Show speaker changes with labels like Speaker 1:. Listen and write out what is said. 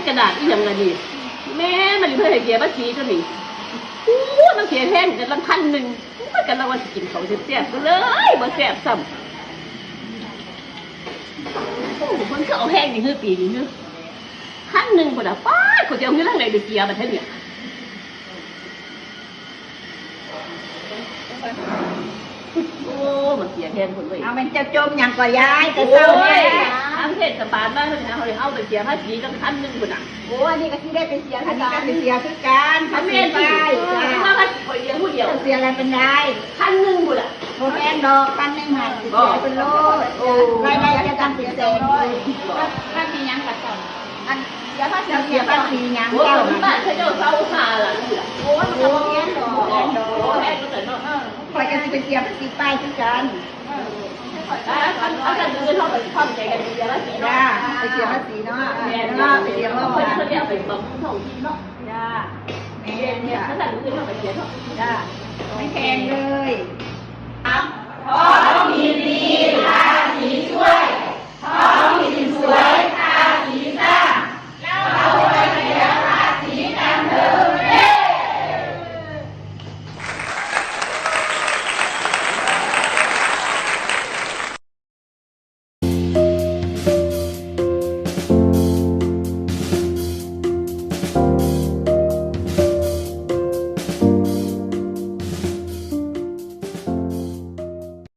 Speaker 1: กระดาษอีหยังละนี่แม่มันเพื่อให้เสียภาษีตัวนี้มันเสียแพงกันละ1,000มันกันละว่าสิกินของแซ่บๆก็เลยบ่แซ่บซ้ำมันก็เอาแห้งนี่คือปีนี้เนาะ1,000พุ่นน่ะป้าเขาจะเอาเงินทางไหนไปเสียบัดเท่านี้โอ้มันเสียแพงคนเลย
Speaker 2: เอามันจะจมอย่างก่อยายแต่เศร้าเนี่ย
Speaker 1: ทางเทศบาลบ้านเขาเลยเอาไปเสียภาษีตั้ง1,000พุ่นน่ะ
Speaker 2: โอ้อันนี้ก็ที่ได้ไปเสียอันนี้ก็ไปเสียคือกัน
Speaker 1: อันนี้ไปว่าภาษีคนเดียวผู้เดียว
Speaker 2: เสียอะไรเป็นไร
Speaker 1: 1,000พุ่นน่ะ
Speaker 2: โมแมนดอก1,000หันเสียเป็นโลรายได้จะตั้งเป็นแสน
Speaker 3: ถ้ามียังกับสอนอัน
Speaker 2: เสียภาษียัง
Speaker 1: โอ้ยบ้านเขาจะเศร้าหาล่ะนี่ล่ะ
Speaker 2: โอ้โหแม่นดอกแม่นดอก
Speaker 1: แพงก็แต่เนาะ
Speaker 2: คอยจะไปเสียภาษีป้ายคือกัน
Speaker 1: เอาแต่เงินเท่าไปพร้อมใจกันเสียภาษีเนาะ
Speaker 2: ไปเสียภาษีเนาะ
Speaker 1: แม่
Speaker 2: เนาะ
Speaker 1: ไปเสียเมื่อวานเขาเรียกไปบำรุงท้องถิ่นเนาะจ้าแม่เนี่ยถ้าแต่เงินเท่าไปเสียเนาะ
Speaker 2: จ้าไม่แพงเลย
Speaker 4: ขอยินดีภาษีช่วย